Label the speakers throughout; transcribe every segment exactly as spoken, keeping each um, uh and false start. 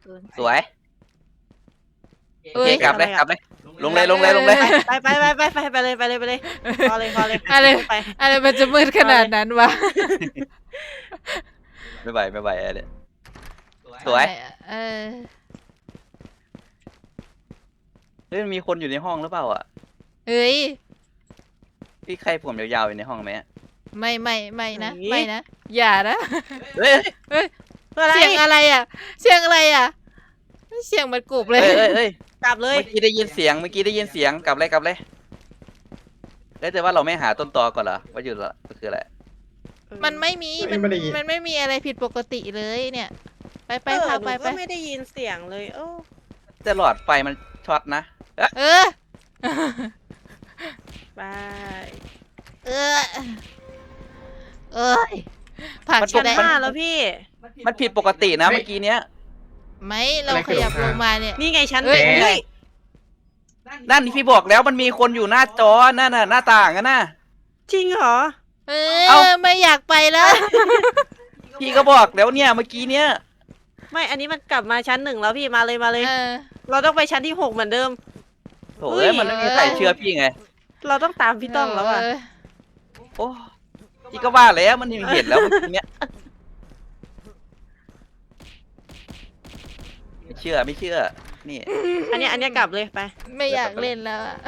Speaker 1: สวยโอเคกลับเลยกลับเลยลงเลยลงเลยลงเลย
Speaker 2: ไปไปไปไปไปไปเลยไปเลยไปเลยพอเลยพอเลย
Speaker 3: อะไร
Speaker 2: ไป
Speaker 3: อะไรมันจะมืดขนาดนั้นวะ
Speaker 1: ไม่ไหวไม่ไหวอะไรสวย
Speaker 3: เออ
Speaker 1: เฮ้ยมันมีคนอยู่ในห้องหรือเปล่าอ่ะ
Speaker 3: เฮ้ย
Speaker 1: พี่ใครผมยาวๆอยู่ในห้องไหม
Speaker 3: ไม่ไม่ไม่นะไม่นะอย่านะ
Speaker 1: เฮ้ย
Speaker 3: เฮ้ย
Speaker 2: อะไร
Speaker 3: เสียงอะไรอ่ะเสียงอะไรอ่ะเสียงมันกรุบเลย
Speaker 1: เฮ้ยเฮ้ยเฮ้ย
Speaker 2: กลับเลย
Speaker 1: เมื่อกี้ได้ยินเสียงเมื่อกี้ได้ยินเสียงกลับเลยกลับเลยแล้วแต่ว่าเราไม่หาต้นตอก่อนเหรอว่าอยู่ละคืออะไร
Speaker 3: มันไม่มีมันมันไม่มีอะไรผิดปกติเลยเนี่ย ไปไป
Speaker 2: เออ
Speaker 3: พา
Speaker 2: หนู
Speaker 3: ไปไป
Speaker 2: ก็ไม่ได้ยินเสียงเลยโอ้
Speaker 1: แต่หลอดไฟมันช็อตนะ
Speaker 3: เออ
Speaker 2: ไป
Speaker 3: เออเอ้ยผ่าน
Speaker 2: ชั้น
Speaker 3: ได้
Speaker 2: ห้าแล้วพี่
Speaker 1: มันผิดปกตินะเมื่อกี้เนี้ย
Speaker 3: ไหมเราขยับลงมาเนี่ย
Speaker 2: นี่ไงชั้น
Speaker 3: เฮ้ย
Speaker 2: เฮ้ย
Speaker 1: นั่นพี่บอกแล้วมันมีคนอยู่หน้าจอนั่นน่ะหน้าต่างอะนะ
Speaker 2: จริงเหรอ
Speaker 3: เอ
Speaker 1: เอ้า
Speaker 3: อไม่อยากไปแล้ว
Speaker 1: พี่ก็บอกแล้วเนี่ยเมื่อกี้เนี้ย
Speaker 2: ไม่อันนี้มันกลับมาชั้นหนึ่งแล้วพี่มาเลยมาเลย
Speaker 3: เออ
Speaker 2: เราต้องไปชั้นที่หกเหมือนเดิม
Speaker 1: โถ่เอ้ยมันไม่มีใครเชื่อพี่ไง
Speaker 2: เราต้องตามพี่ต้องแล้วอ่ะ
Speaker 1: โอ้พี่ก็ว่าแล้วมันเห็นแล้วเมื่อกี้เนี้ยไม่เชื่อไม่เชื่อนี่
Speaker 2: อันเนี้ยอันเนี้ยกลับเลยไป
Speaker 3: ไม่อยากเล่นแล้วอะ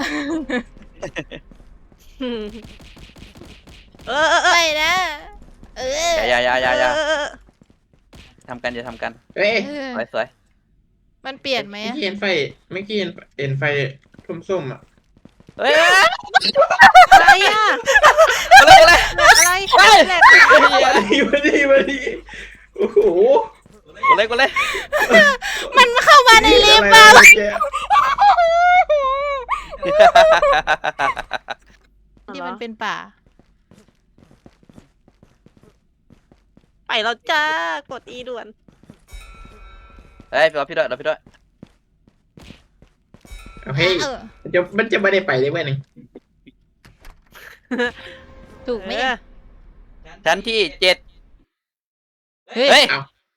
Speaker 2: เออเออเออ
Speaker 3: ไปนะเออ
Speaker 1: อย่าอย่าอย่าอย่า
Speaker 2: เออเออ
Speaker 1: ทำกันอย่าทำกัน
Speaker 4: เฮ้ย
Speaker 3: เออ
Speaker 1: สวยสวย
Speaker 3: มันเปลี่ยนไหม
Speaker 4: เมื่อ
Speaker 3: อะ
Speaker 4: กี้เห็นไฟเมื่อกี้เห็นเห็นไฟส้มๆอ่ะ
Speaker 1: เฮ้ย
Speaker 2: อะไรอ่ะ
Speaker 1: อะไรอะไร
Speaker 2: อะไรแหลก
Speaker 4: มาดีมาดีมาดีโอ้โห
Speaker 1: กดเลยกดเลย
Speaker 3: มันเข้ามาในลิฟต์
Speaker 4: อะ
Speaker 3: อะ
Speaker 4: ไรแก
Speaker 3: นี่มันเป็นป่า
Speaker 2: ไปแล้วจ้ากดอีด่วน
Speaker 1: เฮ้ยรอพี่ด้วยรอพี่ด้วย
Speaker 4: เอาเฮ้ย
Speaker 3: เออ
Speaker 4: มันจะมันจะไม่ได้ไปได้ไหมนี่
Speaker 3: ถูกไหม
Speaker 2: เอ
Speaker 3: เนี่ย
Speaker 2: อ
Speaker 1: ชั้นที่เจ็ด
Speaker 3: เฮ้ย
Speaker 1: เฮ้ย
Speaker 4: เอา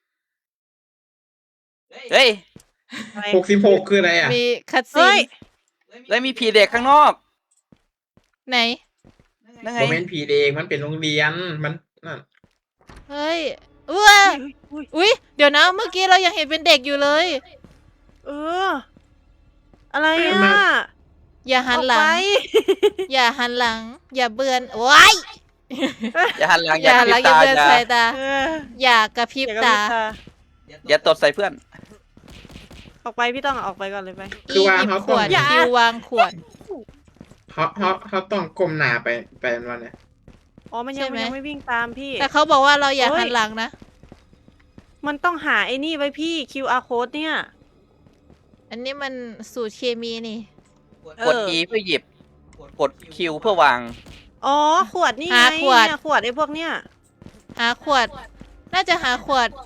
Speaker 1: เฮ้ย
Speaker 2: อะไร
Speaker 4: หกสิบหกคืออะไรอ่ะ
Speaker 3: มีคัดซี
Speaker 2: เฮ้ย
Speaker 3: น
Speaker 1: แล้วมีผีเด็กข้างนอก
Speaker 3: ไหน
Speaker 1: นั่นไง
Speaker 4: โมเมนต์ผีเด็กมันเป็นโรงเรียนมันนั่น
Speaker 3: เฮ้ยอ้ว
Speaker 2: อุ๊ย
Speaker 3: อุ้ยเดี๋ยวนะเมื่อกี้เรายังเห็นเป็นเด็กอยู่เลย
Speaker 2: เออ อะไรอ่ะ
Speaker 3: อย่าหันหลั
Speaker 2: ออก
Speaker 3: ง
Speaker 2: ไป
Speaker 3: อย่าหันหลัง อย่าเบือนว้าย
Speaker 1: อย่าหันหลัง
Speaker 3: อ
Speaker 1: อย่า
Speaker 3: ย่าก หัน
Speaker 1: ระ
Speaker 3: ห
Speaker 1: พ
Speaker 3: ลั
Speaker 1: ริ
Speaker 3: ง
Speaker 1: บ
Speaker 3: อย่า
Speaker 1: ตา
Speaker 3: เบือน
Speaker 1: อย่า
Speaker 3: สายตา
Speaker 2: เออ
Speaker 3: อย่ากระพริบ
Speaker 2: อย่ากระ
Speaker 3: ตา
Speaker 2: พริบตา
Speaker 1: อย่าตดใส่เพื่อน
Speaker 2: ออกไปพี่ต้องออกไปก่อนเลยไป
Speaker 4: คือว่า
Speaker 3: หยิบ
Speaker 4: เขา
Speaker 3: ข
Speaker 4: ต้อง
Speaker 3: วด
Speaker 2: อย่า
Speaker 3: คิววางขวด
Speaker 4: เขาเขาเขาต้องก้มหน้าไปไปวันเนี้ย
Speaker 2: อ๋อมันยัง
Speaker 3: ใช่ไหม
Speaker 2: มันยังไม่วิ่งตามพี่
Speaker 3: แต่เขาบอกว่าเราอย่า
Speaker 2: เฮ้ย
Speaker 3: หันหลังนะ
Speaker 2: มันต้องหาไอ้นี่ไว้พี่ คิว อาร์ code เนี่ย
Speaker 3: อันนี้มันสูตรเคมีนี่
Speaker 1: กด E เพื่อหยิบ กด Q เพื่อวาง
Speaker 2: อ๋อ ขวดนี่ไง
Speaker 3: หาขวด
Speaker 2: เนี่ยขวดไอ้พวกเนี้ย
Speaker 3: หาขวด น่าจะหาขวด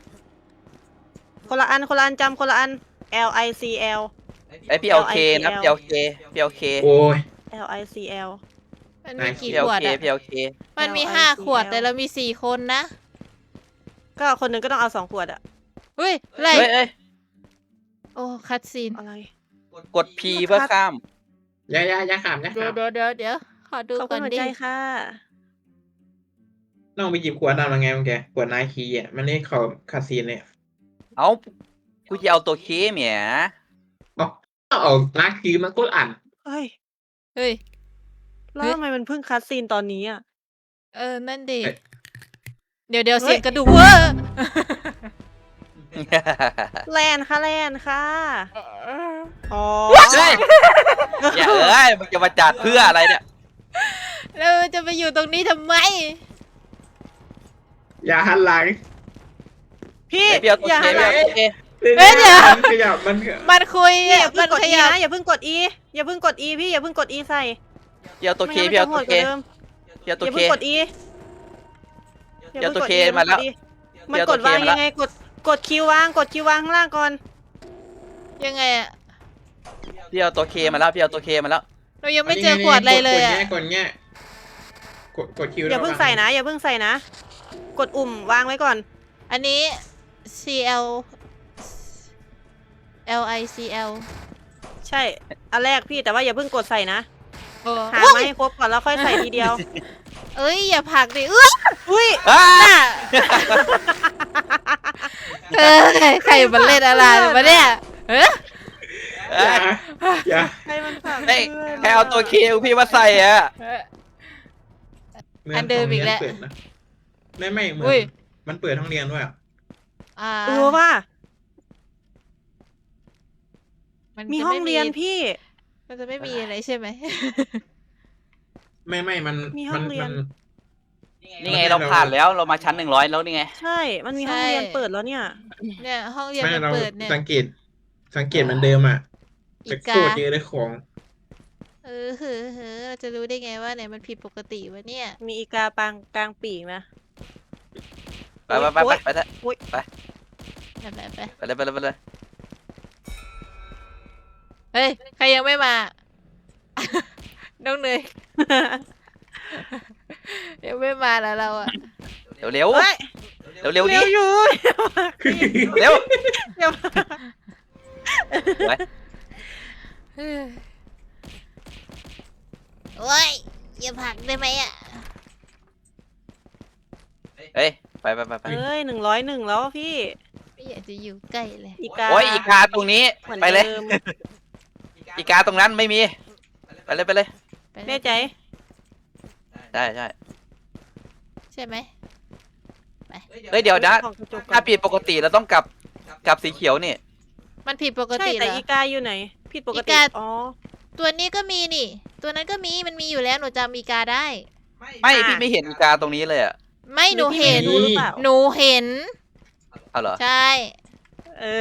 Speaker 2: คนละอันคนละอันจำคนละอัน L I C L
Speaker 1: ไอพี่เอาเคนะพี่เอาเคพี่เอาเค
Speaker 4: โอ้ย
Speaker 2: L I C L
Speaker 3: มันมีกี่
Speaker 1: พี่เอา
Speaker 3: ขวด
Speaker 1: เค
Speaker 3: อะ
Speaker 1: พี่เอาเค
Speaker 3: มันมี
Speaker 2: L I C L
Speaker 3: ห้าขวดแต่เรามีสี่คนนะ
Speaker 2: ก็คนหนึ่งก็ต้องเอาสองขวดอะ
Speaker 3: เฮ้ยอะไร
Speaker 1: เฮ้ยเอ้ย
Speaker 3: โอ้คัดซีน
Speaker 2: อะไร
Speaker 1: กด P เพื่อข้าม
Speaker 4: อย่าอย่าอย่าขามอย่า
Speaker 3: เดี๋ย
Speaker 4: ขาว ม
Speaker 3: เดี๋ยวเดี๋ยวเดี๋ยวขอดู
Speaker 2: ขอบ
Speaker 3: ก่
Speaker 2: คุ
Speaker 3: อ
Speaker 2: ณ
Speaker 3: น
Speaker 2: หัว
Speaker 3: ดิ
Speaker 2: ใจค่ะ
Speaker 4: น้องไปหยิบขวดน้ำมาไงมึงแกขวดนายคีอ่ะมันนี่เขาคาซีนเลย
Speaker 1: เอากูจะเอาตัวเคเมีย
Speaker 4: เอาเอานาคีมันก็อ่าน
Speaker 2: เฮ้ย
Speaker 3: เฮ้ย
Speaker 2: แล้วทำไมมันเพิ่งคัดซีนตอนนี้อะ
Speaker 3: เออ นั่นดิ
Speaker 4: เอ๊ะ
Speaker 3: เดี๋ยวเดี๋ยว
Speaker 2: เฮ้ย
Speaker 3: เสียงกระดูกเวอร์
Speaker 2: แลนค่ะแลนค่ะอ๋อ
Speaker 1: เฮ้ยอย่าเอ้ยมึงจะมาจัดเพื่ออะไรเนี่ย
Speaker 3: แล้วจะไปอยู่ตรงนี้ทำไม
Speaker 4: อย่าหันหลัง
Speaker 2: พี่
Speaker 1: ไอพี่เอาตัว
Speaker 2: อย่า
Speaker 1: เค
Speaker 2: หันห
Speaker 1: พี่
Speaker 2: ลั
Speaker 1: เอา
Speaker 2: ง
Speaker 1: ตัวเค
Speaker 3: เฮ้ยเดี๋ยว
Speaker 4: มันขยับมัน
Speaker 3: มันคุย
Speaker 2: พี่อย่า
Speaker 3: มั
Speaker 2: เพิ่งกด
Speaker 3: นข
Speaker 2: E
Speaker 3: ยับ
Speaker 2: นะอย่าเพิ่งกด E อย่าเพิ่งกด E พี่อย่าเพิ่งกด E ใส่
Speaker 1: พี่เอาตัวเค
Speaker 2: ไม่
Speaker 1: พี่
Speaker 2: งั้
Speaker 1: เอา
Speaker 2: น
Speaker 1: ตัว
Speaker 2: มัน
Speaker 1: เค
Speaker 2: จะโหดกว่าเดิม
Speaker 1: พี่เอาตัว
Speaker 2: อย่า
Speaker 1: เค
Speaker 2: เพิ่งกด E
Speaker 1: เดี๋ยวตัว
Speaker 2: พิ่งก
Speaker 1: เค
Speaker 2: E
Speaker 1: มาแล้ว
Speaker 2: มัน
Speaker 1: เดี๋ยว
Speaker 2: ก
Speaker 1: ตัว
Speaker 2: ด
Speaker 1: เค
Speaker 2: วาง
Speaker 1: มาแล้ว
Speaker 2: ยังไงกดกดคิววางกดคิววางข้างล่างก่อน
Speaker 3: ยังไงอะ
Speaker 1: พี่เอาตัวเคมาแล้วพี่เอาตัวเคมาแล้ว
Speaker 3: เรายังไม่เจอขวดอะไรเลยอะ
Speaker 4: กดแง่กดกดคิว
Speaker 2: อย่าเพิ่งใส่นะ อย่าเพิ่งใส่นะ กดอุ่มวางไว้ก่อน
Speaker 3: อันนี้ C L L I C L
Speaker 2: ใช่อันแรกพี่แต่ว่าอย่าเพิ่งกดใส่นะ
Speaker 3: เออ
Speaker 2: หามาให้ครบก่อนแล้วค่อยใส่ทีเดียว
Speaker 3: เอ้ยอย่าผลักดิเอ้ย
Speaker 2: อุ้ย
Speaker 1: อ้า
Speaker 3: น่ะเฮ้ยใครมันเล่นอะไรมาเนี่ยเฮ้ย
Speaker 1: เอ้
Speaker 4: อย ย่าอย่า
Speaker 2: ใครมันผัก
Speaker 1: เฮ้ย
Speaker 2: พื่น
Speaker 1: ใครเอาตัวคิวพี่มาใส่อะ
Speaker 3: อันเดิมอีกแล้ว
Speaker 4: เปิดนะไม่ไม่เหมือ
Speaker 3: อุ้ย
Speaker 4: นมันเปิดห้องเรียนด้วยอะ
Speaker 3: อ่า
Speaker 2: เออว่า
Speaker 3: มัน
Speaker 2: มี
Speaker 3: จะ
Speaker 2: ห้อง
Speaker 3: ไ
Speaker 2: เรียนพี่
Speaker 3: มันจะไม่มีอะไรใช่ไหม
Speaker 4: ไม่ไม่มัน
Speaker 2: มีห้องเรียน
Speaker 4: มั
Speaker 1: นี่ไงเราผ่านแล้วเรามาชั้นหนึ่งร้อยแล้วนี่ไง
Speaker 2: ใช่ มันมีห้องเรียนเปิดแล้วเนี่ย
Speaker 3: เนี่ยห้องเรียน
Speaker 4: ไม่
Speaker 3: มัน
Speaker 4: เรา
Speaker 3: เปิดเนี่ย
Speaker 4: สังเกต สังเกตเหมันเดิมอ่ะ
Speaker 3: อี
Speaker 4: แต่
Speaker 3: กา
Speaker 4: โคตรเยอะเลยของ
Speaker 3: เออเฮ้อเฮ้อเราจะรู้ได้ไงว่าเนี่ยมันผิดปกติวะเนี่ย
Speaker 2: มีอีกาปางกลางปีกนะ
Speaker 1: ไปไปไปไปไปเถอะ
Speaker 3: แบบแบบไป
Speaker 1: ไปเลยไปเลยไปเลย
Speaker 3: เฮ้ยใครยังไม่มา น้องเนย ยังไม่มาแล้วเราอะ
Speaker 1: เร็วเร็ว
Speaker 2: เฮ้ย
Speaker 1: เร็วเร็วดิ
Speaker 2: เร็วอยู่
Speaker 1: เร็ว
Speaker 2: เร็ว
Speaker 1: ไป
Speaker 3: โอ้ยอย่าผลักได้ไหมอะ
Speaker 1: เฮ้ยไปไปไปไป
Speaker 2: เอ้ยหนึ่งร้อยหนึ่งแล้วพี่
Speaker 3: ไม่อยากจะอยู่ใกล้เลย
Speaker 2: อีกา
Speaker 1: โอ้ยอีกาตรงนี้
Speaker 2: หมือน
Speaker 1: ไปเลย
Speaker 2: ดิม
Speaker 1: อีกาตรงนั้นไม่มีไปเลยไปเลย
Speaker 3: ไปเลย
Speaker 2: แน่ใจ
Speaker 1: ใช่ใช่
Speaker 3: ใช่ไหม
Speaker 1: เฮ้ยเดี๋ยวนะ
Speaker 2: ของกระจกก่อน
Speaker 1: ถ้าผิดปกติเราต้องกลับกลับสีเขียวนี่
Speaker 3: มันผิดปก
Speaker 2: ใช่
Speaker 3: ติเหร
Speaker 2: แต่
Speaker 3: อ
Speaker 2: อีกาอยู่ไหน ผิดปก
Speaker 3: อี
Speaker 2: ติ
Speaker 3: กา
Speaker 2: อ๋อ
Speaker 3: ตัวนี้ก็มีนี่ ตัวนั้นก็มีมันมีอยู่แล้วหนูจำอีกาได้
Speaker 1: ไม่
Speaker 2: อ่ะ
Speaker 1: พี่ไม่เห็นอีกาตรงนี้เลยอ่ะ
Speaker 3: ไม่หนูเห็น
Speaker 2: รู้หรือเปล่า
Speaker 3: หนูเห็น
Speaker 1: เอาเหรอ
Speaker 3: ใช่
Speaker 2: เออ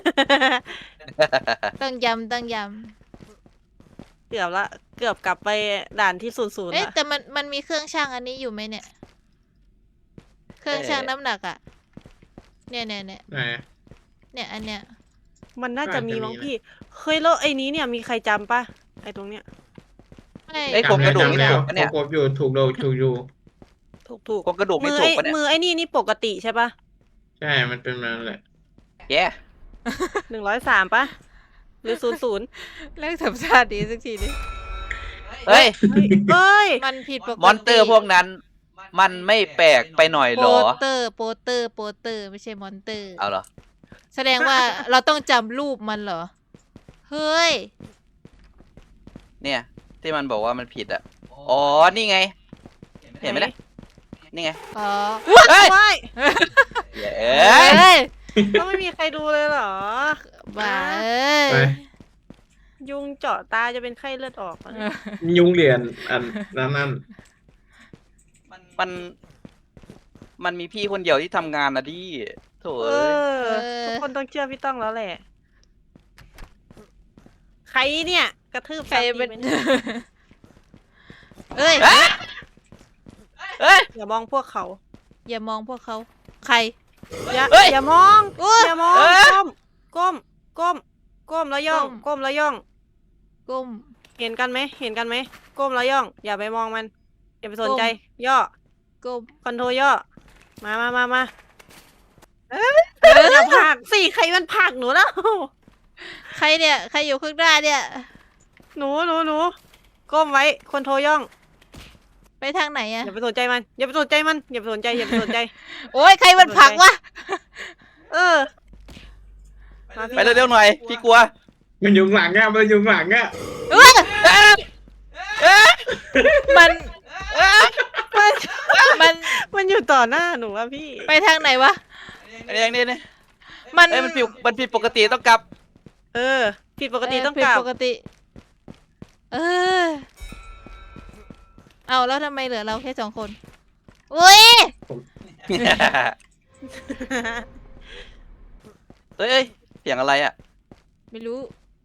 Speaker 3: ต้องย้ำต้องย้
Speaker 2: เกือบละ เกือบกลับไปด่านที่ศูนย์ศูน
Speaker 3: ำ
Speaker 2: ย์
Speaker 3: เอ๊ะ
Speaker 2: ละ
Speaker 3: แต่มันมันมีเครื่องช่างอันนี้อยู่ไหมเนี่ย เครื่องช่างน้ำหนักอะเนี่ยเนี่ยเนี่ย
Speaker 4: ไหน
Speaker 3: เนี่ยอันเนี้ย
Speaker 2: มันน่าจะมี
Speaker 4: น่าจะมี
Speaker 2: มั้ง
Speaker 4: นะ
Speaker 2: พี่เฮ้ยแล้วไอ้นี้เนี่ยมีใครจำปะไอ้ตรงเนี้ย
Speaker 3: ไม่
Speaker 1: เอ้ย โครงกระดูก
Speaker 4: จำแล้ว
Speaker 1: ถูกปะเนี่ย
Speaker 4: ครบอยู่ถูกโดถูกอยู่
Speaker 2: ถูกถูก
Speaker 1: โครงกระดูก
Speaker 2: มื
Speaker 1: ไม่
Speaker 2: อ
Speaker 1: ถู
Speaker 2: ไอ้
Speaker 1: กปะเนี่ย
Speaker 2: มือไอ้นี่นี่ปกติใช่ปะ
Speaker 4: ใช่ มันเป็นมันแหละ
Speaker 1: แย่
Speaker 2: หนึ่งร้อยสามปะหรือศูนย์ศูนย์
Speaker 3: เลิกทำชาติดีสักทีดิ
Speaker 1: เฮ้ย
Speaker 2: เอ้ย
Speaker 3: มันผิดปกติ
Speaker 1: มอนเตอร์พวกนั้น มันไม่แปลกไปหน่อย
Speaker 3: โป
Speaker 1: เหรอ
Speaker 3: สเตอร์โปสเตอร์โปสเตอร์ไม่ใช่มอนเตอร์
Speaker 1: เอาเหรอ
Speaker 3: แสดงว่า เราต้องจำรูปมันเหรอ เฮ้ย
Speaker 1: เนี่ย ที่มันบอกว่ามันผิดอ่ะ อ๋อ นี่ไง เห็นไหมล่ะนี่ไง
Speaker 3: อ๋อ
Speaker 1: เฮ้ย
Speaker 2: ว้าย
Speaker 1: เย้
Speaker 3: เฮ้ย
Speaker 2: ก็ไม่มีใครดูเลยเหรอ
Speaker 3: บ้าเอ้ย
Speaker 4: ไป
Speaker 2: ยุงเจาะตาจะเป็นไข้เลือดออกอะ
Speaker 4: ยุงเหรียญอันนั้นนั่น
Speaker 1: มัน มันมีพี่คนเดียวที่ทำงานนะดิโถ
Speaker 2: เอ
Speaker 1: เอ้ย
Speaker 2: อ ทุกคนต้องเชื่อพี่ต้องแล้วแหละ ใครเนี่ย กระทืบ
Speaker 3: ใคร
Speaker 2: ซ้ำอีก
Speaker 3: เป็น
Speaker 2: ไหมเนี่ย
Speaker 3: เอ้ย
Speaker 1: เอ้ยเอ้ย
Speaker 2: อย่ามองพวกเขา
Speaker 3: อย่ามองพวกเขา ใคร
Speaker 2: อย่า
Speaker 1: เอ้ย
Speaker 2: อย่ามอง
Speaker 3: อุ๊ย
Speaker 2: อย่ามอง
Speaker 1: เอ้ย
Speaker 2: ก้ม ก้ม ก้ม ก้มแล้วย่อง
Speaker 3: ก้ม
Speaker 2: ก้มแล้วย่อง
Speaker 3: ก้ม
Speaker 2: เห็นกันไหม เห็นกันไหม ก้มแล้วย่อง อย่าไปมองมัน อย่าไปสนใจ
Speaker 3: ก้ม
Speaker 2: ย่อ
Speaker 3: ก้ม
Speaker 2: คอนโทรย่อ มามามามา
Speaker 3: เอ้ย
Speaker 2: อย่าผลักสิใครมันผลักหนูแล้ว
Speaker 3: ใครเนี่ย ใครอยู่ข้างหน้าเนี่ย
Speaker 2: หนูหนูหนูก้มไว้ คอนโทรย่อง
Speaker 3: ไปทางไหนอะ
Speaker 2: อย่าไปสนใจมัน อย่าไปสนใจมัน อย่าไปสนใจ อย่าไปสนใจ
Speaker 3: โอ้ยใครมันผลักวะ
Speaker 2: เออมาพี่
Speaker 1: ไปเร็วๆหน่อย พี่กลัว
Speaker 4: มันยุงหลังอ่ะมันยุงหลังอ่ะ
Speaker 3: เอ้ย
Speaker 1: เอ้ยเอ้ย
Speaker 3: มัน
Speaker 1: เอ้ย
Speaker 2: มัน
Speaker 3: มัน
Speaker 2: มันอยู่ต่อหน้าหนูอะพี่
Speaker 3: ไปทางไหนวะ
Speaker 1: อันนี้อย่างนี้นี่
Speaker 3: มัน
Speaker 1: เอ้ยมันผิดมันผิดปกติต้องกลับ
Speaker 2: เออ ผิดปกติ
Speaker 3: เ
Speaker 2: ต้องกลับ
Speaker 3: ผิดปกติ เออ เอาแล้วทำไมเหลือเราแค่สองคน อุ้ย
Speaker 1: เฮ้ยเอ้ยเสียงอะไรอ่ะ
Speaker 3: ไม่รู้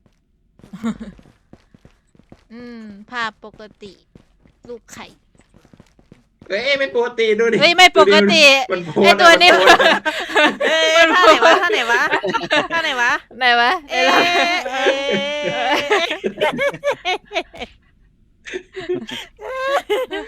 Speaker 3: อืม ภาพปกติ ลูกไข่
Speaker 4: เอ้ยไม่ปกติดูดิ
Speaker 3: เฮ้ยไม่ปกติ
Speaker 4: มันโพส
Speaker 3: ไอ้ตัวนี้
Speaker 4: มัโพส
Speaker 2: เอ้ยท่าไหนวะท่าไหนวะท่าไหนวะ
Speaker 3: ไหนวะ
Speaker 2: เอ๊ะ
Speaker 3: เอ๊ะ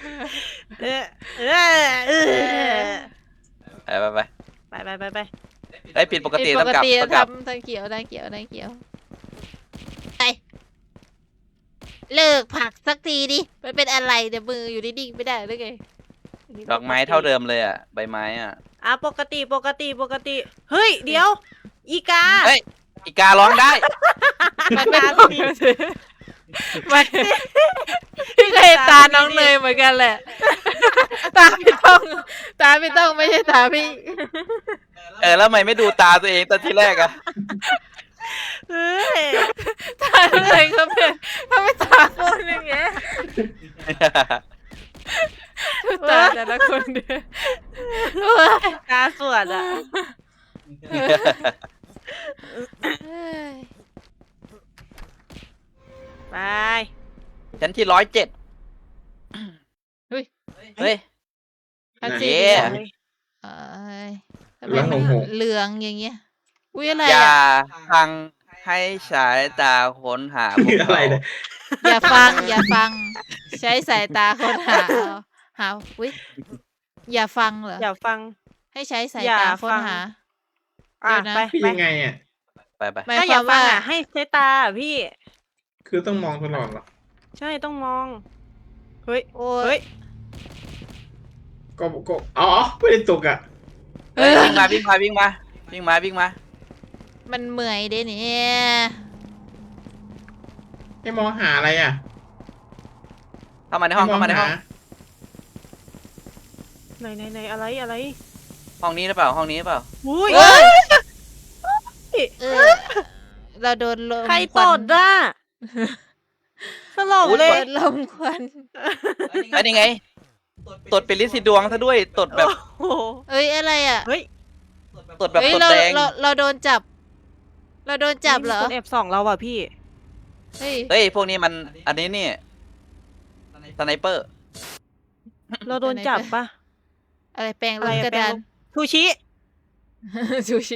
Speaker 2: เอ๊ะเอ๊ะเออเออ
Speaker 1: ไปไปไป
Speaker 2: ไปไปไปไป
Speaker 1: ไอ้ยผิดปก
Speaker 3: ผิด
Speaker 1: ติ
Speaker 3: ป
Speaker 1: ต้อง
Speaker 3: ก
Speaker 1: กลับ
Speaker 3: ติ
Speaker 1: ต้องกลับ
Speaker 3: ทำทางเขียวทางเขียวทางเขียวไปเลิกผลักสักทีดิมันเป็นอะไรเดี๋ยวมืออยู่นิ่งๆไม่ได้หรือไง
Speaker 1: ดอกไม้เท่าเดิมเลยอ่ะใบไม้อ่ะ
Speaker 2: อ่ะปกติปกติปกติ เฮ้ย เดี๋ยว อีกา
Speaker 1: เฮ้ยอีการ้องได้
Speaker 3: มันไม่ต้องมันพี่เคยตาน้องเนยเหมือนกันแหละ ตาพี่ต้อง ตาพี่ต้องไม่ใช่ตาพี่
Speaker 1: เออแล้วทำไมไม่ดูตาตัวเองตอนที่แรกอ่ะ
Speaker 2: เฮ้ย
Speaker 3: ตาน้องเนยเขาเป็นเขาเป็นตาคนอย่างเงี้ยตาแต่ละคนเดียว
Speaker 2: กาสวดอ่ะ ไป
Speaker 1: ชั้นที่ร้อยเจ็ด
Speaker 3: เฮ้ย
Speaker 1: เฮ้ย
Speaker 3: อัน
Speaker 1: เย้
Speaker 3: สีเหลืองเอ้ยทำไม
Speaker 4: แล้ว
Speaker 3: มัน
Speaker 4: หงหง
Speaker 3: เหลืองอย่างเงี้ย อุ้ยอะไร
Speaker 1: อย่า
Speaker 3: อ่ะ
Speaker 1: ฟังให้สายตาค้นหาพวก
Speaker 4: อะไร
Speaker 1: เขา
Speaker 4: เนี่ย
Speaker 3: อย่าฟัง อย่าฟัง ใช้สายตาค้นหาเอาหาอุ้ยอย่าฟังเหรอ
Speaker 2: อย่าฟัง
Speaker 3: ให้ใช้สาย
Speaker 2: อย่า
Speaker 3: ตาค้น
Speaker 2: ฟัง
Speaker 3: หา
Speaker 2: อ่ะ
Speaker 3: เดี๋ยวนะ
Speaker 2: ไป
Speaker 4: พี่
Speaker 2: ไป
Speaker 4: ยังไงอ่ะ
Speaker 1: ไปไป
Speaker 3: หมาย
Speaker 2: ถ้า
Speaker 3: ค
Speaker 2: อย่าว
Speaker 3: าม
Speaker 2: ฟัง
Speaker 3: ว่า
Speaker 2: อ่ะ ให้ใช้ตาอะพี่
Speaker 4: คือต้องมองตลอดเหรอ
Speaker 2: ใช่ต้องมอง เฮ้ย
Speaker 3: โอ้
Speaker 2: เฮ้
Speaker 3: ย
Speaker 2: ย
Speaker 4: ก็ก็อ๋อไม่ได้ตกอ่ะ
Speaker 3: เอ
Speaker 1: เฮ้ย
Speaker 3: อ
Speaker 1: วิ่งมาวิ่งมาวิ่งมาวิ่งมาวิ่งมา
Speaker 3: มันเหมื่อยเด้เนี่ย
Speaker 4: ให้มองหาอะไรอ่ะ
Speaker 1: เข้ามาในห้อง
Speaker 4: ให้ม
Speaker 1: เข้ามาในห้อง
Speaker 4: ห
Speaker 2: ไหนไหนไหนอะไรอะไร
Speaker 1: ห้องนี้หรือเปล่าห้องนี้หรือเปล่า
Speaker 2: อุ้ย
Speaker 3: เอ้ยเออเราโดนลม
Speaker 2: ใคร
Speaker 3: ควั
Speaker 2: ต
Speaker 3: น
Speaker 2: ดอ่ะสลบ
Speaker 1: อุ๊ย
Speaker 2: เล
Speaker 3: โด
Speaker 2: ย
Speaker 3: นลมควัน
Speaker 1: ไอ้นี่ไงตดเป็นลินสีดวงซะด้วยตดแบบ
Speaker 2: โอ้โห
Speaker 3: เอ้ยอะไรอ่ะ
Speaker 2: เฮ้ย
Speaker 1: ตดแบบ
Speaker 3: เฮ้ย
Speaker 1: ตด
Speaker 3: เรา
Speaker 1: แดง
Speaker 3: เราเราโดนจับ เราโดนจับเหรอ
Speaker 2: มีคนแอบส่องเราอ่ะพี่
Speaker 3: เฮ้ย
Speaker 1: เฮ้ยพวกนี้มันอันนี้นี่สไนเปอร์
Speaker 2: เราโดนจับปะ
Speaker 3: อะไรแปลง
Speaker 2: อะ
Speaker 3: ล
Speaker 2: ไร
Speaker 3: ม
Speaker 2: อะ
Speaker 3: กระดาน
Speaker 2: แปลงลม ทูชิ
Speaker 3: ซูชิ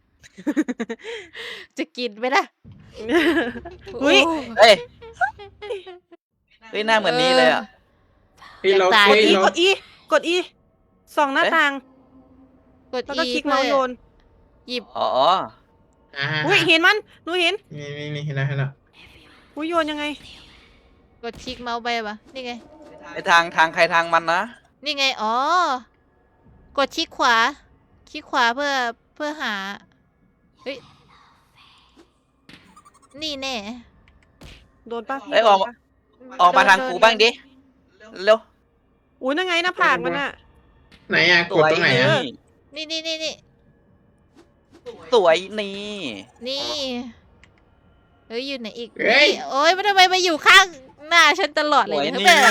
Speaker 3: จะกินไหมล่ะ
Speaker 2: อุ๊ย
Speaker 3: โ
Speaker 1: เฮ้ยเฮ้ยหน้าเหมือนนี้เลยอ่ะ
Speaker 4: เฮ้ยเรา
Speaker 3: อยากตาย
Speaker 4: เฮ้ย
Speaker 2: อี
Speaker 4: เรา
Speaker 2: กดอีกดอีส่องหน้า
Speaker 1: เอ๊ะ
Speaker 2: ต่าง
Speaker 3: กด
Speaker 2: แล้วก็
Speaker 3: อี
Speaker 2: คลิก
Speaker 3: เพื่
Speaker 2: เมา
Speaker 3: อ
Speaker 2: ส์โยน
Speaker 3: หยิบ
Speaker 1: อ๋อ
Speaker 4: อ่า
Speaker 2: อุ้ยเห็นมันหนูเห็น
Speaker 4: นี่นี่นี่เห็นแล้วเห็นแล้ว
Speaker 2: อุ้ยโยนยังไง
Speaker 3: กดคลิกเมาส์ไปปะนี่ไง
Speaker 1: ไอทางทางใครทางมันนะ
Speaker 3: นี่ไง อ๋อ กดคลิกขวา คลิกขวาเพื่อเพื่อหา เฮ้ย นี่แน่
Speaker 2: โดนปะพี่
Speaker 1: เอ้ยออก
Speaker 2: โดนปะ
Speaker 1: ออกมาทางกูบ้างดิเร็ว
Speaker 2: อุ้ยนั่นไงหน้าผากมันอะ
Speaker 4: ไหนอ่ะ
Speaker 1: ส
Speaker 4: กด
Speaker 1: วย
Speaker 4: ตรงไหนอ่ะ
Speaker 1: นี่
Speaker 3: นี่นี่นี่นี่
Speaker 1: สวยนี่
Speaker 3: นี่ เฮ้ย อยู่ไหนอีก
Speaker 4: เฮ้ย
Speaker 3: นี่โอ้ยมันทำไมมาอยู่ข้างหน้าฉันตลอด
Speaker 1: ส
Speaker 3: เลย
Speaker 1: วย
Speaker 3: เนี่ย
Speaker 1: นี่
Speaker 3: แบบ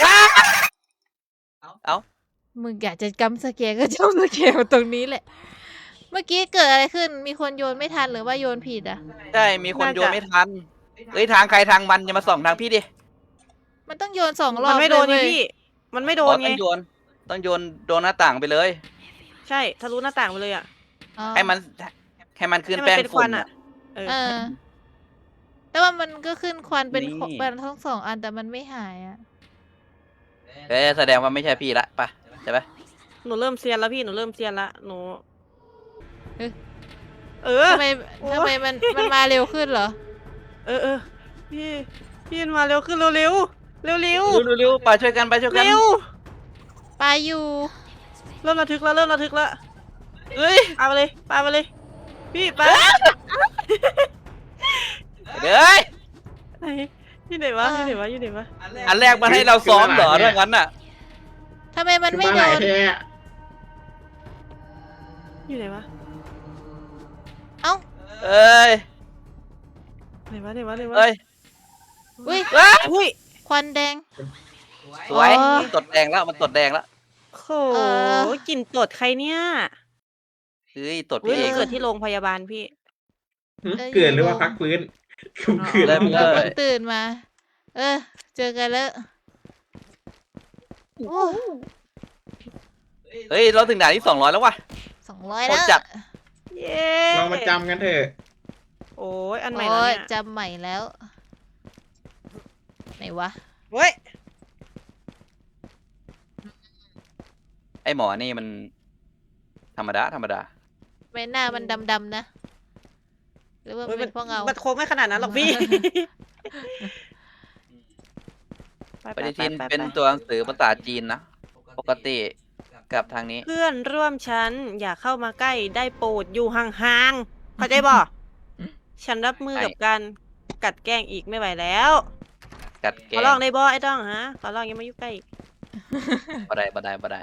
Speaker 1: เอ้า
Speaker 3: มึงอยากจะจำสเกลก็จำสเกลตรงนี้แหละ เมื่อกี้เกิดอะไรขึ้น มีคนโยนไม่ทันหรือว่าโยนผิดอ่ะ
Speaker 1: ใช่มีคนโยนไม่ทันเฮ้ยทางใครทางมันอย่ามาส่องทางพี่ดิ
Speaker 3: มันต้องโยนสองรอ
Speaker 2: มั
Speaker 3: บ
Speaker 2: นไม่โดน
Speaker 3: เล
Speaker 2: ไง
Speaker 3: ยเว้ย
Speaker 2: พี่ มันไม่โด
Speaker 1: อ๋อน
Speaker 2: ไง
Speaker 1: ต้องโยนต้องโยนโดนหน้าต่างไปเลย
Speaker 2: ใช่ทะลุหน้าต่างไปเลยอะ
Speaker 3: อ๋อ
Speaker 1: ให้มันให้มันขึ้น
Speaker 2: ให้มัน
Speaker 1: แป้ง
Speaker 2: เป็นค
Speaker 1: ฝุ่
Speaker 2: วัน น
Speaker 1: อะ
Speaker 2: อะ เออ
Speaker 3: เออ แต่ว่ามันก็ขึ้นควันเป็น
Speaker 1: นี่
Speaker 3: ขเป็นทั้งสองอันแต่มันไม่หายอ่ะ
Speaker 1: เอ้ยแสดงว่าไม่ใช่พี่ละไปะใช่ปะ
Speaker 2: หนูเริ่มเซียนแล้วพี่ หนูเริ่มเซียนละ หนู
Speaker 3: เอ๊ะ
Speaker 2: เออ
Speaker 3: ทำไม
Speaker 2: โอ๊ย
Speaker 3: ทำไมมันมันมาเร็วขึ้นเหรอ
Speaker 2: เออเออพี่ พี่มาเร็วขึ้นเร็วเร็วเร็วเร็ว
Speaker 1: เร็วเร็วๆไปช่วยกันไปช่วยกัน
Speaker 2: เร็ว
Speaker 3: ไปอยู่
Speaker 2: เริ่มระทึกแล้วเริ่มระทึกแล้ว
Speaker 1: เฮ้ย
Speaker 2: ปาไปเลยปาไปเลย พี่ปา
Speaker 1: เดี๋ยวเอ้ย
Speaker 2: ไหนที่ไหนวะที่ไหนวะที่ไหนวะ
Speaker 1: อันแรกมันให้เราซ้อมเหรอเรื่องนั้นน่ะ
Speaker 3: ทำไมมัน
Speaker 4: คือ
Speaker 3: ไม่
Speaker 4: มา
Speaker 3: โด
Speaker 4: หลาย
Speaker 3: น
Speaker 4: แท้
Speaker 2: อยู่ไหนวะ
Speaker 3: เอ้า
Speaker 1: เอ้ย
Speaker 2: ไหนวะไหนวะไหนวะ
Speaker 1: เอ้ย
Speaker 3: อุ้ย
Speaker 1: เอ้ย
Speaker 2: อุ้ย
Speaker 3: ควันแดง
Speaker 1: สวย
Speaker 3: อ๋อ
Speaker 1: ตดแดงแล้วมันตดแดงแล้ว
Speaker 2: โห
Speaker 3: เออ
Speaker 2: กลิ่นตดใครเนี่ย
Speaker 1: เฮ้ยตด
Speaker 2: อุ้ย
Speaker 1: พี่เอง
Speaker 2: เกิดที่โรงพยาบาลพี่
Speaker 4: หึ
Speaker 3: เอ้ย
Speaker 4: เกิดหรือว่าพักฟื้นผมเกิด
Speaker 1: เริ่ม
Speaker 3: เรา
Speaker 1: ล
Speaker 3: เพิ่
Speaker 1: ย
Speaker 3: งตื่นมา เออ เจอกันแล้วโอ้
Speaker 1: เฮ้ยเราถึงด่านที่สองร้อยแล้วว่ะ
Speaker 3: สองร้อย
Speaker 1: โค
Speaker 3: แล้
Speaker 1: ต
Speaker 3: ว
Speaker 1: รจัด
Speaker 2: เย้
Speaker 4: เรามาจำกันเถอะ
Speaker 2: โอ้ยอันใหม่
Speaker 3: โอ้
Speaker 2: แล้ว
Speaker 3: ย
Speaker 2: เนี่ย
Speaker 3: จำใหม่แล้ว ไหนวะ
Speaker 2: เว้ย
Speaker 1: ไอหมอนี่มัน ธรรมดาธรรมดา
Speaker 3: ใบหน้ามันดำๆนะ หรือว่า
Speaker 2: เฮ้ย
Speaker 3: เป็นเพราะเงา
Speaker 2: มันโค้งไม่ขนาดนั้นหรอกพี่ ไป
Speaker 1: ปฏิ
Speaker 2: ไป
Speaker 1: ทิน
Speaker 2: ไป
Speaker 1: เป็น
Speaker 2: ไป
Speaker 1: ตัวหนังสือภาษาจีนนะ ปกติกับทางนี้
Speaker 2: เพื่อนร่วมชั้นอย่าเข้ามาใกล้ได้โปรดอยู่ห่างๆเข้าใจบ่ ฉันรับมือกับการกัดแกล้งอีกไม่ไหวแล้ว
Speaker 1: กัดแก
Speaker 2: ขอลองได้บ่ไอ้ต้องฮะขอลองอยังมายุ่งใกล้อีก
Speaker 1: บ่ได้บ่ได้บ่ได้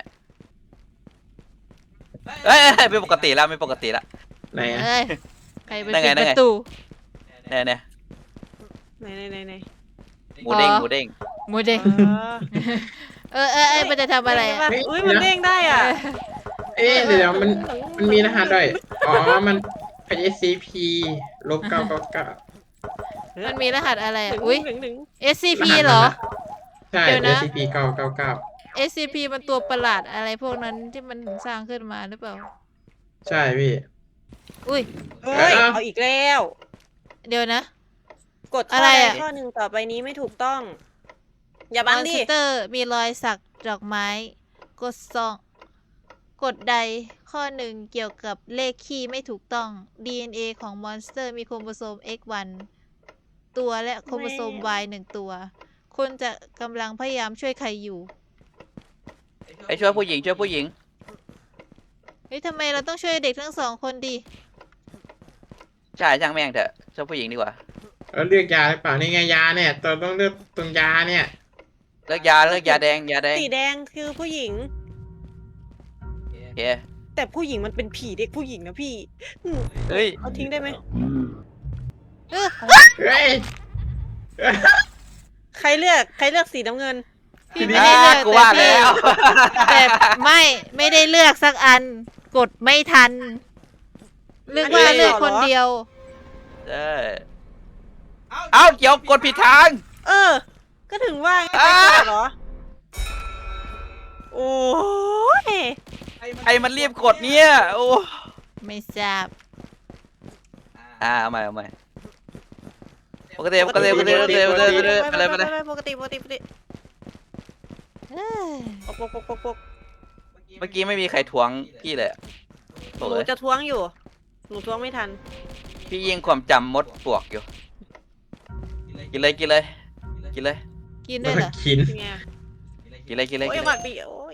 Speaker 1: เอ้ยเอ้ยไม่ปกติแล้วไม่ปกติแล้ว
Speaker 4: ไหนอะ
Speaker 3: เอ้ยใครไป
Speaker 1: นั่นไง
Speaker 3: ปิด
Speaker 1: นั่
Speaker 3: ป
Speaker 1: นไง
Speaker 3: ระตู
Speaker 1: เนี่ยเนี่ย
Speaker 2: ไหนไหนไหนไหน
Speaker 1: หมูเด้ง
Speaker 3: อ๋อ
Speaker 1: หมูเด้ง
Speaker 3: หมูเด้ง
Speaker 2: เออ
Speaker 3: เออเออเออมันจะทำอะไร
Speaker 2: เด้ง
Speaker 3: อะ
Speaker 2: ปอุ้ยมันเด้งได้อ่ะ
Speaker 4: เอ๊ะเดี๋ยวมันมันมีรหัสด้วยอ๋อมันเป็น เอส ซี พี ลบเก้าเก้าเก้า
Speaker 3: มันมีรหัสอะไร
Speaker 2: ห
Speaker 3: อะ
Speaker 2: นึ่ง
Speaker 3: อุ้ย
Speaker 2: หนึ่งหนึ่ง
Speaker 3: เอส ซี พี เหรอ
Speaker 4: ใช่
Speaker 3: เดี๋ยวนะ
Speaker 4: เอส ซี พี เก้าเก้าเก้า
Speaker 3: เอส ซี พี มันตัวประหลาดอะไรพวกนั้นที่มันสร้างขึ้นมาหรือเปล่า
Speaker 4: ใช่พี่
Speaker 3: อุ้ย
Speaker 2: เฮ้ย
Speaker 4: เอ้า
Speaker 2: เอาอีกแล้ว
Speaker 3: เดี๋ยวนะ
Speaker 2: กดข้
Speaker 3: อะ
Speaker 2: อ
Speaker 3: ไร
Speaker 2: ใด
Speaker 3: อะ
Speaker 2: ข้อหนึ่งต่อไปนี้ไม่ถูกต้อง อย่าม บั
Speaker 3: อง น
Speaker 2: ดิ
Speaker 3: สเตอร์มีรอยสักดอกไม้ กดสองกดใดข้อหนึ่งเกี่ยวกับเลขคี่ไม่ถูกต้อง ดี เอ็น เอ ของมอนสเตอร์มีโครโมโซม เอ็กซ์ วัน ตัวและโครโมโซม Y หนึ่งตัว คุณจะกำลังพยายามช่วยใครอยู่
Speaker 1: ไอ้ช่วยผู้หญิงช่วยผู้หญิง
Speaker 3: เฮ้ยทำไมเราต้องช่วยเด็กทั้งสองคนดี
Speaker 1: ใช่ช่างแม่งเถอะช่วยผู้หญิงดีกว่า
Speaker 4: เออเลือกยาหรือเปล่านี่ไงยาเนี่ยตัวต้องเลือกตรงยาเนี่ย
Speaker 1: เลิกยาเลิกยาแดงยาแดง
Speaker 2: สีแดงคือผู้หญิง
Speaker 1: โอเค
Speaker 2: แต่ผู้หญิงมันเป็นผีเด็กผู้หญิงนะพี่อืม
Speaker 1: เฮ้ย
Speaker 2: เอาทิ้งได้ไหม
Speaker 3: เออ
Speaker 4: เฮ้ย
Speaker 2: ใครเลือกใครเลือกสีน้ำเงิน
Speaker 3: พี่ไม่ได้เลือก
Speaker 1: อ่ากูว่า
Speaker 3: แต่
Speaker 1: แล้ว
Speaker 3: แต่ไม่ไม่ได้เลือกสักอัน กดไม่ทันเลือกว่า
Speaker 2: อันนี้
Speaker 3: เลือก
Speaker 2: เหรอ
Speaker 3: คนเดียว
Speaker 1: เออเอ้าเดี๋ยวกดผิดทาง
Speaker 2: เออ ก็ถึงว่าไง
Speaker 1: อ่า
Speaker 2: ไปก่อนเหรอ โอ้ย
Speaker 1: ไอ้มันรีบกดเนี่ยโอ้
Speaker 3: ไม่ทราบ
Speaker 1: อ่าเอาใหม่เอาใหม่ปกติปกติปกติปกติปกติไปเลยไปเลย
Speaker 2: ปกติปกติปกติ
Speaker 3: เอ้ย
Speaker 2: ปกปกปกปกปก
Speaker 1: เมื่อกี้ไม่มีใครทวงพี่เลยอะ
Speaker 2: ห
Speaker 1: โถ่
Speaker 2: นู
Speaker 1: เอ้ย
Speaker 2: จะท้วงอยู่ หนูท้วงไม่ทัน
Speaker 1: พี่ยิงความจำมดปลวกอยู่ กินเลยกินเลยกินเลย
Speaker 3: กินด้วยเหรอ
Speaker 4: กิน
Speaker 2: เป็นไง
Speaker 1: กินเลยกินเลย
Speaker 2: โอ้
Speaker 1: กิ
Speaker 2: ย
Speaker 1: น
Speaker 2: ห
Speaker 1: เล
Speaker 2: มั
Speaker 1: ย
Speaker 2: กดีโอ้ย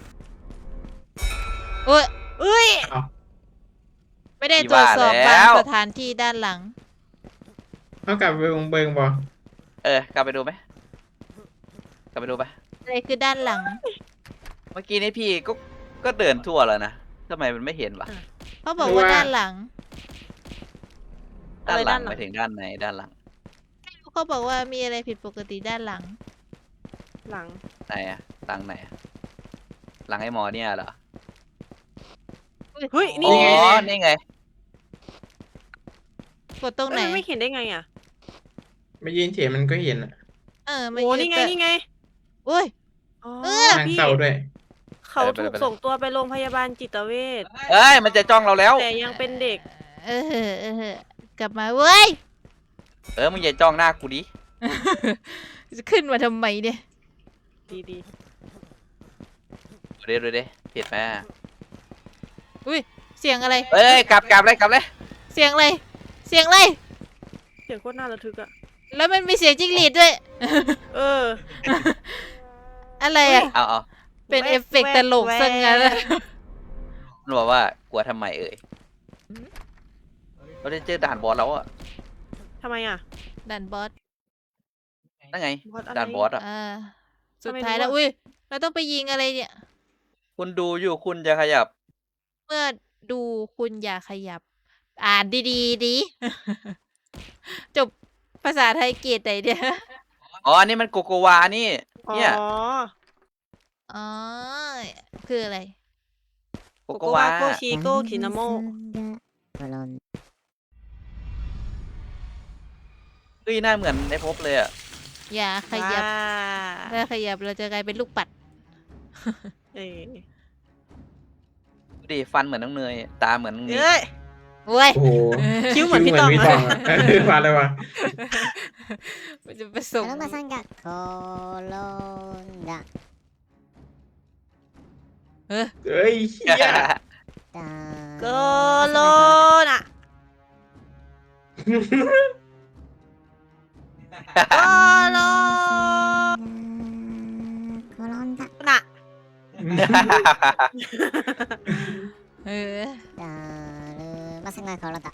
Speaker 3: โอ้ย
Speaker 2: เอ้ย
Speaker 4: เอา
Speaker 3: ไม่ได้ตรวจสอบบางสถานที่ด้านหลัง
Speaker 4: เอากลับไปเบิงเบิงบอ
Speaker 1: เออกลับไปดูไหมกลับไปดูไป
Speaker 3: อะไรคือด้านหลัง
Speaker 1: เมื่อกี้นี้พี่ก็ก็เดินทั่วแล้วนะทำไมมันไม่เห็นวะ
Speaker 3: เขาบอกว่าด้านหลัง
Speaker 1: ด้านหลัง
Speaker 2: อะไรด้านหลัง
Speaker 1: ไปถึงด้านไหนด้านหลัง
Speaker 3: เขาบอกว่ามีอะไรผิดปกติด้านหลัง
Speaker 2: หลัง
Speaker 1: ไหนอะหลังไหนอะหลังไอ้หมอเนี่ยเหรอ
Speaker 2: เฮ้ย นี่
Speaker 1: อ๋อ
Speaker 2: ไง
Speaker 1: นี่ไง
Speaker 3: กดตรงไหน
Speaker 2: เอ้ยมันไม่เห็นได้ไงอ่ะ
Speaker 4: ไม่ยืนเฉยมันก็เห็นอะ
Speaker 3: เออไม่
Speaker 2: โอ้
Speaker 3: ยื
Speaker 2: นี่ไง
Speaker 3: แต่
Speaker 2: นี่ไง
Speaker 3: อุ้ย
Speaker 2: อ๋อ
Speaker 3: เออ
Speaker 4: นาง
Speaker 2: พี่
Speaker 4: เศร้าด้วย
Speaker 2: เขา
Speaker 1: ไปเลย
Speaker 2: ถูก
Speaker 1: ไปเลย
Speaker 2: ส่งตัวไปโรงพยาบาลจิตเวช
Speaker 1: เอ้ยมันจะจ้องเราแล้ว
Speaker 2: แต่ยังเป็นเด็ก
Speaker 3: เออเออกลับมาเว้ย
Speaker 1: เออมึงอย่าจ้องหน้ากูดิ
Speaker 3: จะขึ้นมาทำไมเนี่ย
Speaker 2: ดีดี
Speaker 1: ดูดิดูดิผิดไหม
Speaker 3: อุ้ยเสียงอะไร
Speaker 1: เอ้ยกลับกลับเลยกลับเลย
Speaker 3: เสียงอะไร เสียงอะไร
Speaker 2: เสียงโคตรน่าระทึกอ่ะ
Speaker 3: แล้วมันมีเสียงจิ้งหรีดด้วย
Speaker 2: เออ
Speaker 3: อะไรอ่ะ
Speaker 1: เอาเอา
Speaker 3: เป็น
Speaker 2: แว๊ก
Speaker 3: เอฟเฟกต์
Speaker 2: แว๊ก
Speaker 3: ตลกซะงั้น
Speaker 2: แว๊
Speaker 3: อะ
Speaker 2: ก
Speaker 1: มันบอกว่ากลัวทำไมเอ่ยเราได้เจอด่านบอสแล้วอะ
Speaker 2: ทำไมอ่ะ
Speaker 3: ดันบอส
Speaker 1: นั่นไง
Speaker 2: บอสอะไร
Speaker 1: ด่านบอสอะ
Speaker 3: อ่า สุด
Speaker 2: ทำไม
Speaker 3: ท้าย
Speaker 2: รู้
Speaker 3: แล้ว
Speaker 2: อะ
Speaker 3: อุ้ย เราต้องไปยิงอะไรเนี่ย
Speaker 1: คุณดูอยู่คุณจะขยับ
Speaker 3: เมื่อดูคุณอย่าขยับ อ่านดีๆดี จบภาษาไทยเกรดไหนเนี่ย
Speaker 1: อ๋ออันนี้มันโกโกวานี่
Speaker 2: อ๋อ
Speaker 1: เนี่ย
Speaker 3: อ๋อ คืออะไร
Speaker 1: โก
Speaker 2: โก
Speaker 1: โก
Speaker 2: โก
Speaker 1: วาว
Speaker 2: าโกชิโกคินาโม
Speaker 1: เฮ้ยหน้าเหมือนในภพเลยอะ
Speaker 3: อย่าขยับ
Speaker 2: ว้า
Speaker 3: ถ้าขยับเราจะกลายเป็นลูกปัด
Speaker 2: เอ้ย
Speaker 1: ดูดิฟันเหมือนน้องเนยตาเหมือนน้องนิก
Speaker 2: เอ้ย
Speaker 3: โว้ย
Speaker 4: โอ้โห
Speaker 2: คิ้วเหมือนพี่ตอง
Speaker 4: คิ้วเหมือนพี่ตองอะเออมาเลยวะ
Speaker 3: มันจะผสม
Speaker 5: アロマさんが転んだ
Speaker 3: เออ
Speaker 4: เฮ้ยเหี้ย
Speaker 5: だ
Speaker 2: โกโลโอ้โล
Speaker 5: 転んだ。
Speaker 2: น่ะ
Speaker 3: เออ
Speaker 5: だるまさんが転んだ。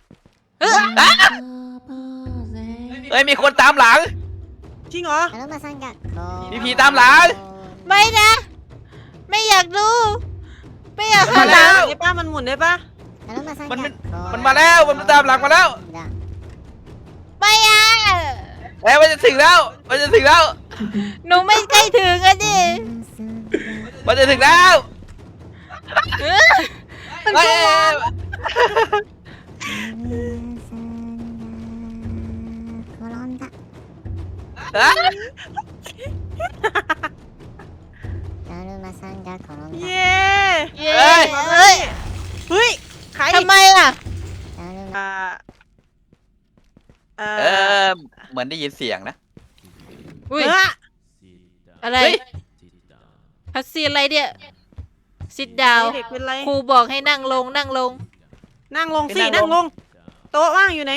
Speaker 1: เฮ้ยมีคนตามหลัง
Speaker 2: จริงเหรอ
Speaker 5: だるまさんが転んだ。
Speaker 1: มีผีตามหลัง
Speaker 3: ไม่นะ ไม่อยากดู ไม่อยาก
Speaker 1: มา
Speaker 3: หันห
Speaker 1: แล้
Speaker 3: ลัง
Speaker 1: ว
Speaker 2: ได้ป้ามันหมุนได้ปะ
Speaker 5: だるまさん
Speaker 1: มัน
Speaker 5: が
Speaker 1: มัน
Speaker 5: 転んだ。
Speaker 1: มันมาแล้วมันมาตามหลังมาแล้ว
Speaker 3: ไม่อะ
Speaker 1: เอ้ยมันจะถึงแล้วมันจะถึงแล้ว
Speaker 3: หนูไม่ใกล้ถึงอะดิ
Speaker 1: มันจะถึงแล้ว
Speaker 3: เออ
Speaker 1: เฮ้ย
Speaker 5: 転んだ。
Speaker 1: ฮะ
Speaker 5: だるまさんが転んだ。
Speaker 2: เย้
Speaker 3: เย้เอ้ย
Speaker 2: เฮ้ยใคร
Speaker 3: ทำไมล่ะ
Speaker 5: だるま
Speaker 2: อ่าเอ่
Speaker 1: เอ
Speaker 2: อ
Speaker 1: อเหมือนได้ยินเสียงนะ
Speaker 3: อุ้ย
Speaker 2: เอ้อ
Speaker 3: อะไร
Speaker 1: เฮ้ย
Speaker 3: พัสซีนอะไรเนี่ยซิดดาว
Speaker 2: เด็กเป็นไร
Speaker 3: ครูบอกให้นั่งลงนั่งลง
Speaker 2: นั่งลงสิ
Speaker 1: ให้นั่
Speaker 2: นั่
Speaker 1: ง
Speaker 2: ง
Speaker 1: ล
Speaker 2: ล
Speaker 1: ง
Speaker 2: ง โต๊ะว่างอยู่ไหน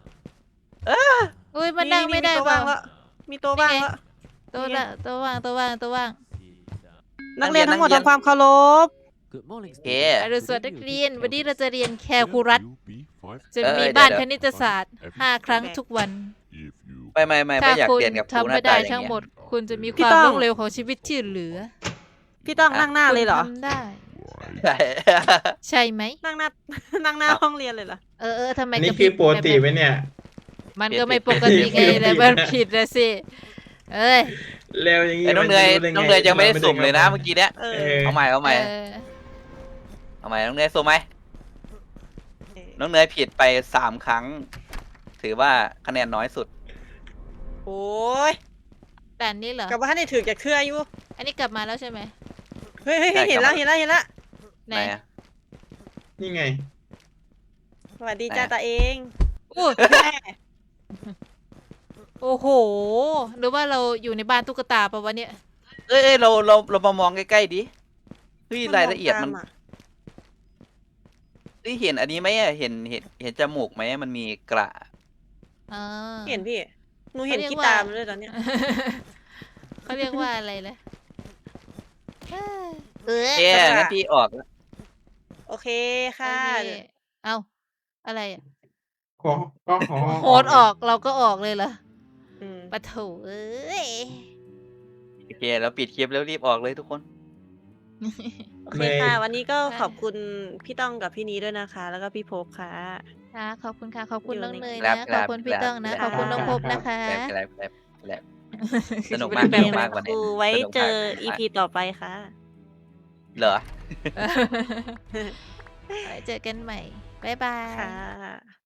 Speaker 3: อุ้ยมันนั่งไม่ได้
Speaker 2: โต๊ะ
Speaker 3: เป
Speaker 2: ว่า
Speaker 3: ล่าง
Speaker 2: แล้วมีโต๊ะว่างแล้ว
Speaker 3: โต๊ะละโต๊ะว่างโต๊ะว่างโต๊ะว่าง
Speaker 2: นักเรียนทั้งหมดทำความเคารพ
Speaker 1: โอเค
Speaker 3: อรุณสวัสดิ์นักเรียนวันนี้เราจะเรียนแคลคูลัส จะ
Speaker 1: เอ้ย
Speaker 3: มี
Speaker 1: เดี๋ยว
Speaker 3: บ้าน
Speaker 1: เดี๋ยว
Speaker 3: คณิตศาสตร์ห้าครั้งทุกวัน
Speaker 1: ไม่ไม่ไม่ไม่
Speaker 3: ถ้า
Speaker 1: อยาก
Speaker 3: คุณ
Speaker 1: เรียนกับครู
Speaker 3: ทำ
Speaker 1: หน้า
Speaker 3: ไม่
Speaker 1: ตา
Speaker 3: ได้
Speaker 1: อย่าง
Speaker 3: ทั้ง
Speaker 1: เงี้
Speaker 3: หม
Speaker 1: ย
Speaker 3: ด คุณจะมีค
Speaker 2: พี่
Speaker 3: วาม
Speaker 2: ต้อง
Speaker 3: ล้มเหลวของชีวิตที่เหลือ
Speaker 2: พี่ต้องนั่งหน้าเลยเหรอ
Speaker 3: คุณทำได้
Speaker 1: ใช่
Speaker 3: ใช่ไหม
Speaker 2: นั่งหน้า นั่งหน้าห้องเรียนเลยเหรอ
Speaker 3: เออเออทำไม
Speaker 4: อันนี้
Speaker 3: กระพ
Speaker 4: คื
Speaker 3: ริ
Speaker 4: อบ ปกติไหมเนี่ย
Speaker 3: มันก็ไม่ปกติไงแต่มันผิดนะสิ เอ้ย
Speaker 4: เร็วอย่างงี้
Speaker 1: ไอ้น้อง
Speaker 4: มั
Speaker 1: เนย
Speaker 4: จะรู้ได้ไ
Speaker 1: น้องเนยยังไม่ได้สุ่มเลยนะเมื่อกี้เนี้ย
Speaker 2: เอ
Speaker 4: เอ
Speaker 2: อ
Speaker 4: อ
Speaker 1: เอาใหม่เอาใหม่
Speaker 3: เออ
Speaker 1: เอาใหม่น้องเนยสุ่มไหมน้องเนยผิดไปสามครั้ง ถือว่าคะแนนน้อยสุด
Speaker 2: โอ้ย
Speaker 3: แต่อันนี้เหรอ
Speaker 2: กลับว่าให้ได้ถือจากเครืออยู่
Speaker 3: อันนี้กลับมาแล้วใช่ไหม
Speaker 2: เฮ้ยเฮ้ยเฮ้ย
Speaker 1: ใช่
Speaker 2: เห็น
Speaker 1: ครั
Speaker 2: แล้
Speaker 1: บ
Speaker 2: วเห็นแล้วเห็นแล้ว
Speaker 3: ไหน
Speaker 1: ไหนอะ
Speaker 4: นี่ไง
Speaker 2: สวัสดีจ้า
Speaker 1: ไหน
Speaker 2: ตาเอง
Speaker 3: อู้โอ้โห หรือว่าเราอยู่ในบ้านตุ๊กตาปะวะเนี่ย
Speaker 1: เอ้ยเอ้ยเราเราเรามามองใกล้ๆดิเฮ้ยรายละเอียดมัน
Speaker 2: ตาะ
Speaker 1: เฮ้ยเห็นอันนี้ไหมอะเห็นเห็นเห็นจมูกไหมมันมีกระ
Speaker 3: อ่า
Speaker 2: เห็นพี่ หนูเห็น
Speaker 3: เขาเรียก
Speaker 2: ขี้
Speaker 3: ว่า
Speaker 2: ตามนด้วยตอนเนี้ย
Speaker 3: เขาเรียกว่าอะไรนะเออ
Speaker 1: เอ๊ะงั้นพี่ออกแล้ว
Speaker 2: โอเคค่ะ
Speaker 3: โอเคเอ้า อะไรอะ
Speaker 4: ขอก็ขอ
Speaker 3: โหดออกเราก็ออกเลยเหรอ
Speaker 2: อืม
Speaker 3: ปะโถเอ้ย
Speaker 1: โอเคแล้วปิดคลิปแล้วรีบออกเลยทุกคน
Speaker 2: โอเคค่ะ วันนี้ก็ขอบคุณพี่ต้องกับพี่นี้ด้วยนะคะ แล้วก็พี่ภพค่ะ
Speaker 3: ค่ะขอบคุณค่ะ ขอบคุณ
Speaker 2: อยู่
Speaker 3: น้อง
Speaker 2: ใน
Speaker 3: เนย
Speaker 1: ครั
Speaker 3: นะ
Speaker 1: บ
Speaker 3: ขอบคุณพี่
Speaker 1: ครับ
Speaker 3: ต้องนะ
Speaker 2: ครั
Speaker 3: ข
Speaker 2: บ
Speaker 3: อบคุณน้องพบนะคะ
Speaker 1: แลบแลบแลบแลบสนุกมาก
Speaker 2: แบ
Speaker 1: ส
Speaker 2: บ
Speaker 1: นุก
Speaker 2: นั้
Speaker 1: มาก
Speaker 2: น
Speaker 1: วันนี้
Speaker 2: ครูไว้
Speaker 1: สนุก
Speaker 2: เจ
Speaker 1: มาก
Speaker 2: ออีพีต่อไปค่ะ
Speaker 1: เหรอ
Speaker 3: ไว้เจอกันใหม่ บ๊ายบาย
Speaker 2: ค่ะ